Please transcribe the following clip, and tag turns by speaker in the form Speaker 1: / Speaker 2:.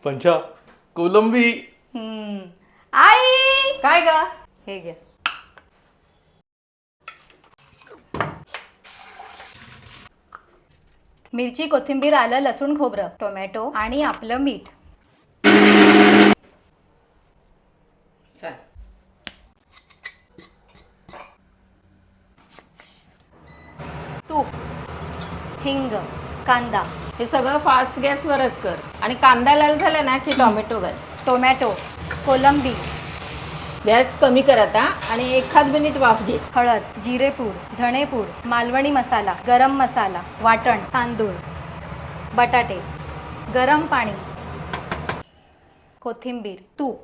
Speaker 1: पंचा कोलंबी.
Speaker 2: आई
Speaker 3: काय ग?
Speaker 2: हे घे. मिरची, कोथिंबीर, आलं, लसूण, खोबरं, टोमॅटो आणि आपलं मीठ.
Speaker 3: चल.
Speaker 2: तूप, हिंग, कांदा,
Speaker 3: हे सगळं फास्ट गॅसवरच कर आणि कांदा लाल झाला ना की टोमॅटो घाल.
Speaker 2: टोमॅटो, कोलंबी,
Speaker 3: गॅस कमी कर आता आणि एखाद मिनिट वाफ घे.
Speaker 2: हळद, जिरेपूड, धणेपूड, मालवणी मसाला, गरम मसाला, वाटण, तांदूळ, बटाटे, गरम पाणी, कोथिंबीर, तूप.